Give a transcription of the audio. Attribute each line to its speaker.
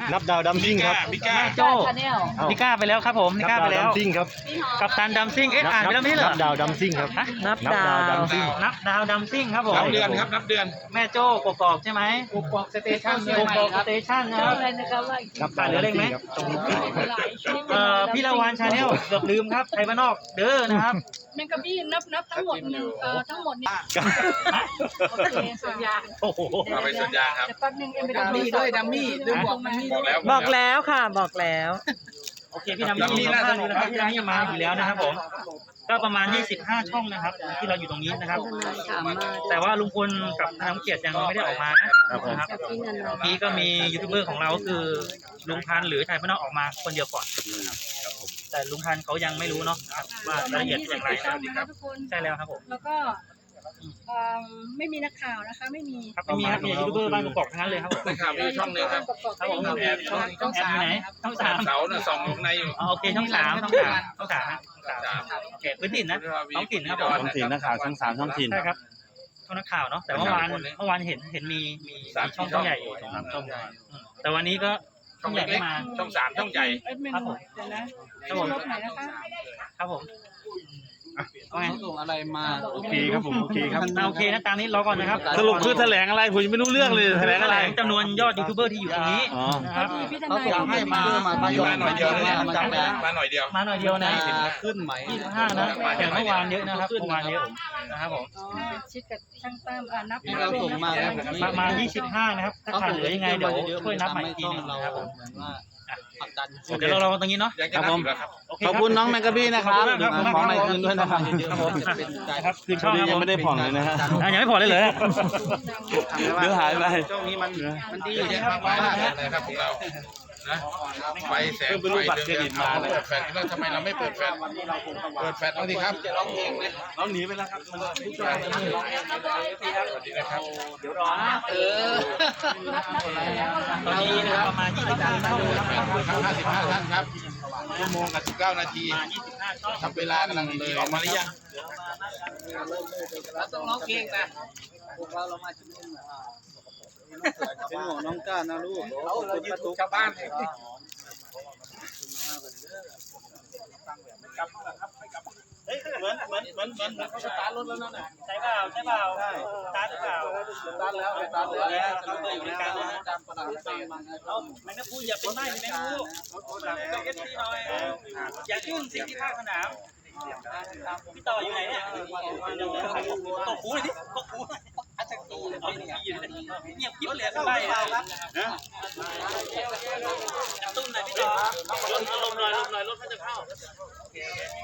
Speaker 1: นับดาวดัมซิ่งครับ
Speaker 2: แม่โจ้นิก้าไปแล้วครับผมนิก้าไปแล้ว
Speaker 1: ดัมซิ่งครับ
Speaker 2: กัปตันดัมซิ่งอ่านไปแล้วไม่ใช่เหรอ
Speaker 1: นับดาวดัมซิ่งครับ
Speaker 3: นับดาว
Speaker 1: ดัมซิ่ง
Speaker 2: นับดาวดัมซิ่งครับผม
Speaker 4: นับเดือนครับนับเดือน
Speaker 2: แม่โจ้กอกใช่ไหมกอกสเตชันกอกสเตชันนะครับ
Speaker 1: นับดาวดัมซิ่งครับ
Speaker 2: พี่ละวันชาแนลเกือบลืมครับไทยบ้านนอกเด้อนะครับ
Speaker 5: แมงกะบี้นับทั้งหมดทั้งหมดนี่โอเคสัญญา
Speaker 2: โอ้โห
Speaker 4: เอาไปสัญญาครับ
Speaker 5: แป๊บนึงเอ็มไปดัมมี่
Speaker 3: บอกแล้วค่ะบอกแล้ว
Speaker 2: โอเคพี่ดัมมี่นะครับพี่ดัมมี่มาอยู่แล้วนะครับผมก็ประมาณ25ช่องนะครับที่เราอยู่ตรงนี้นะครับแต่ว่าลุงพลกับน้ำเกียรติยังไม่ได้ออกมานะครับเมื่อกี้ก็มียูทูบเบอร์ของเราคือลุงพันธ์หรือไทยบ้านนอกออกมาคนเดียวก่อนแต่ลุงพันธ์เขายังไม่รู้เนาะว่ารายละเอียดเป็นอย่างไรนะครับใช่แล้วครับผม
Speaker 5: แล้วก็ไม่มีนักข่าวนะคะไม่มี
Speaker 2: ครับไม่มีครับมียูทูบเบอร์บ้านกอกทั้งนั้นเลยครับผม
Speaker 4: นะครับมีช่องนึงครับ
Speaker 2: ครับผมช่องแอดอยู่ไหนช่อง3
Speaker 4: เสาเนี่ยส่องลงในอยู่
Speaker 2: โอเคช่อง3โอเคพื้นถิ่นนะท้องถิ่นนะครับผม
Speaker 1: ท้องถิ่นนักข่าวช่อง3ท้องถิ่น
Speaker 2: ใช่ครับช่องนักข่าวเนาะแต่เมื่อวานเห็นมีช่องใหญ่อยู่3ช่องแต่วันนี้ก็ช่องใหญ่ไม่มา
Speaker 4: ช่อง3ช่องใหญ่
Speaker 2: ครับผมครับผมครับผม
Speaker 6: ส่งอะไรมา
Speaker 1: โอเคครับผมโอเคครับ
Speaker 2: โอเคนะตามนี้รอก่อนนะครับ
Speaker 1: สรุปคือแถลงอะไรผมยังไม่รู้เรื่องเลยแถลงอะไร
Speaker 2: จำนวนยอดยูทูบเบอร์ที่อยู่ตรงนี้นะครับ
Speaker 6: เขาส่งให้มา
Speaker 4: หน่อยเดียวมาหน่อยเดียว
Speaker 2: นะ
Speaker 6: ขึ้นไหม
Speaker 2: 25นะแต่เมื่อวานเยอะนะครับเมื่อวานเยอะนะครับผม
Speaker 5: ชิดกับช่างตั้มนับ
Speaker 6: เราส่งมา
Speaker 2: ประมาณ25นะครับถ้าขาดเหลือยังไงเดี๋ยวช่วยนับใหม่อีกทีนึงนะครับผมเดี๋ยวเราตรงนี้เนาะ
Speaker 1: ครับผมขอบคุณน้องแมงกะบี้นะครับของใหม่คืนด้วยนะครับ
Speaker 2: ครับคืนช่อง
Speaker 1: ยังไม่ได้ผ่อนเลยนะฮะ
Speaker 2: ยังไม่ผ่อนเลย
Speaker 1: เดี๋ยวหายไป
Speaker 4: ช่วงนี้มันดีนะครับนะครับของเรานะไฟแสงไฟเดือนมาเปิดแฟลชแล้วทำไมเราไม่เปิดแฟลชบ้างดีครับจะร้องเพลงเลย
Speaker 1: เราหนีไปแล้วครับ
Speaker 4: สวัสดีนะครับ
Speaker 2: เดี๋ยวรอนะตอนนี้นะครับประมาณ25ช่อง
Speaker 4: 55ท่านครับชั่วโมงกับ19นาทีทำเวลากำลังเลยออกมาหรือยัง
Speaker 6: ต้องร้องเพลงนะพวกเรามาชุมนุมเป็นห่วงน้องก้านะลูก
Speaker 4: เรายืนชาวบ้าน
Speaker 2: เฮ้ยเหมือนเขาสตาร์ทรถแล้วนั่นน่ะใช่เปล่าสตาร์ทหรือเปล่า
Speaker 6: สตาร์ทแล้ว
Speaker 2: เราเคยอยู่ด้วยกันนะแมงกะพูอย่าเป็นไม้แมงกะพูอย่าขึ้นสิ่งที่ภาคสนามพี่ต่ออยู่ไหนเนี่ยตกหูเลยดิตกหูอาจจะตีเอาเงียบกิ๊บเลยสบายนะตุ้มหน่อยพี่ต่อลมหน่อยรถมันจะเข้า